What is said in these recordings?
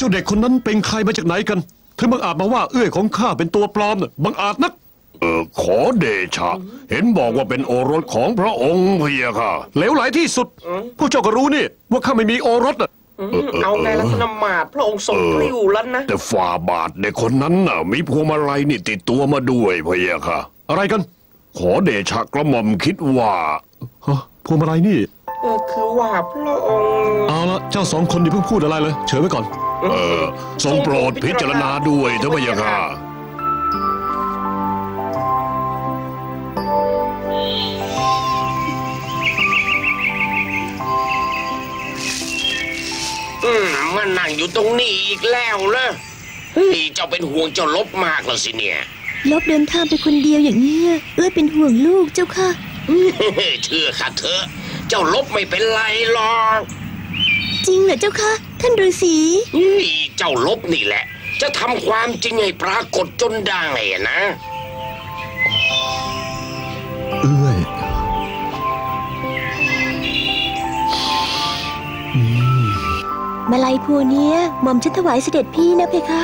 าเด็กคนนั้นเป็นใครมาจากไหนกันถึงบังอาจมาว่าเอื้อยของข้าเป็นตัวปลอมน่ะบังอาจนักขอเดชะเห็นบอกว่าเป็นโอรสของพระองค์เพียค่ะเหลวไหลที่สุดพวกเจ้าก็รู้นี่ว่าข้าไม่มีโอรสอ่ะเอาไงล่ะท่านอมาตย์พระองค์ทรงกลิ้วแล้วนะแต่ฝ่าบาทเด็กคนนั้นน่ะมีพวงมาลัยนี่ติดตัวมาด้วยเพียค่ะอะไรกันขอเดชะกระหม่อมคิดว่าพวงมาลัยนี่คือว่าพระองค์เอาละเจ้าสองคนอย่าเพิ่งพูดอะไรเลยเฉยไว้ก่อนทรงโปรดพิจารณาด้วยเถอะพะยะค่ะมันนั่งอยู่ตรงนี้อีกแล้วเหรอเฮ้ยเจ้าเป็นห่วงเจ้าลบมากแล้วสิเนี่ยลบเดินทางไปคนเดียวอย่างนี้เอ้ยเป็นห่วงลูกเจ้าค่ะเชื่อข้าเถอะเจ้าลบไม่เป็นไรหรอกจริงเหรอเจ้าค่ะท่านฤาษีเจ้าลบนี่แหละจะทำความจริงให้ปรากฏจนได้นะเอ้ยมาลัยพวงนี้หม่อมฉันถวายเสด็จพี่นะเพคะ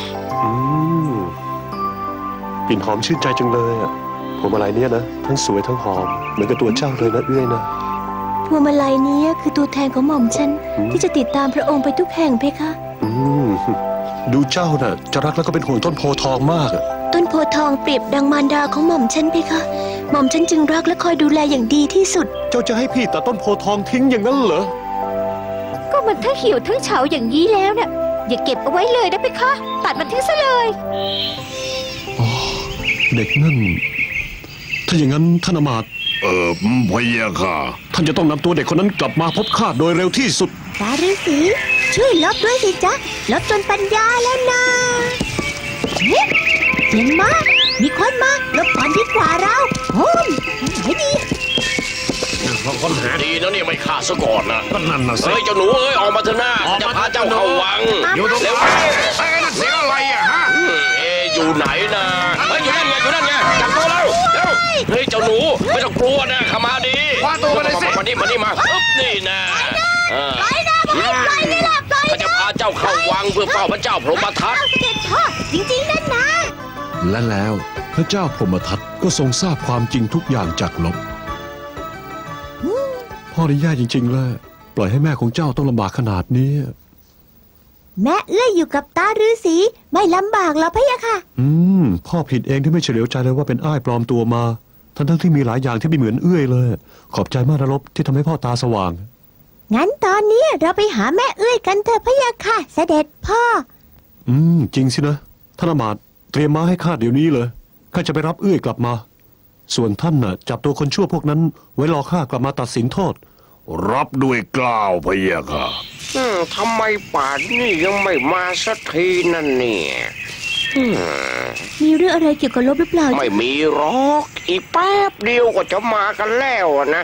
กลิ่นหอมชื่นใจจังเลยอ่ะพวงมาลัยนี้นะทั้งสวยทั้งหอมเหมือนกับตัวเจ้าเลยนะเอ้ยนะพวงมาลัยนี้คือตัวแทนของหม่อมฉันที่จะติดตามพระองค์ไปทุกแห่งเพคะดูเจ้าน่ะจะรักแล้วก็เป็นห่วงต้นโพทองมากต้นโพทองเปรียบดังมารดาของหม่อมฉันเพคะหม่อมฉันจึงรักและคอยดูแลอย่างดีที่สุดเจ้าจะให้พี่ตัดต้นโพทองทิ้งอย่างนั้นเหรอก็มันทั้งเหี่ยวทั้งเฉาอย่างนี้แล้วเนี่ยอย่าเก็บเอาไว้เลยนะเพคะตัดมันทิ้งซะเลยเด็กนั่นถ้าอย่างนั้นท่านอมาตย์พะยะค่ะท่านจะต้องนำตัวเด็กคนนั้นกลับมาพบข้าโดยเร็วที่สุดตาฤาษีช่วยลบด้วยสิจ๊ะลบจนปัญญาแล้วนะเสียงมามีคนมาลบก่อนดีกว่าเราโอ้ยไม่ดีคนหาดีนะเนี่ยไม่ฆ่าซะก่อนนะก็นั่นน่ะสิเจ้าหนูออกมาเถอะหน้าจะพาเจ้าเข้าวังอยู่ตรงไหนไอ้นั่นเสียงอะไรอ่ะฮะอยู่ไหนนะอยู่นั่นไงจับตัวแล้วเฮ้ยเจ้าหนูไม่ต้องกลัวนะขามาดีคว้าตัวมาเลยสิมานี่มานี่นะเขาจะพาเจ้าเข้าวังเพื่อเฝ้าพระเจ้าพรหมทัตเสด็จพ่อจริงๆนั่นนะและแล้วพระเจ้าพรหมทัตก็ทรงทราบความจริงทุกอย่างจากลบพ่อได้แย่จริงๆเลยปล่อยให้แม่ของเจ้าต้องลำบากขนาดนี้แม่เอื้อยอยู่กับตาฤาษีไม่ลำบากหรอกพะยะค่ะพ่อผิดเองที่ไม่เฉลียวใจเลยว่าเป็นอ้ายปลอมตัวมาทั้งที่มีหลายอย่างที่ไม่เหมือนเอื้อยเลยขอบใจมากนะลบที่ทำให้พ่อตาสว่างงั้นตอนนี้เราไปหาแม่เอื้อยกันเถอะพะยะค่ะเสด็จพ่อจริงสินะท่านอมาตย์เตรียมม้าให้ข้าเดี๋ยวนี้เลยข้าจะไปรับเอื้อยกลับมาส่วนท่านน่ะจับตัวคนชั่วพวกนั้นไว้รอข้ากลับมาตัดสินโทษรับด้วยกล้าวพะยะค่ะทำไมป่านนี้ยังไม่มาสักทีนั่นเนี่ยมีเรื่องอะไรเกี่ยวกับลบหรือเปล่าไม่มีหรอกอีกแป๊บเดียวก็จะมากันแล้วนะ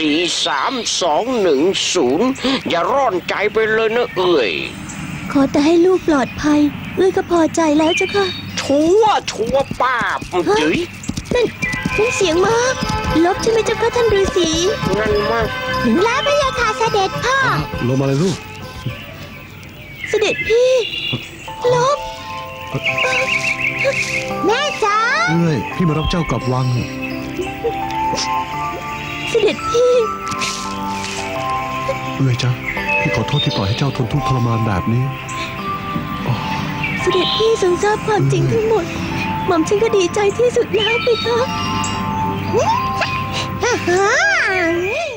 4-3-2-1-0อย่าร้อนใจไปเลยนะเอ้ยขอแต่ให้ลูกปลอดภัยเอ้ยก็พอใจแล้วเจ้าค่ะชัวป้าจื๋ยนั่นเสียงมากลบใช่ไหมเจ้าค่ะท่านฤาษีงั้นมากถึงแล้วพะยะค่ะเสด็จพ่อลงมาเลยลูกเสด็จพี่ลบแม่จ๋าพี่มารับเจ้ากลับวังเสด็จพี่จ้ะพี่ขอโทษที่ปล่อยให้เจ้าทนทุกข์ทรมานแบบนี้เสด็จพี่ทรงทราบความจริงทั้งหมดหม่อมฉันก็ดีใจที่สุดแล้วไปคะ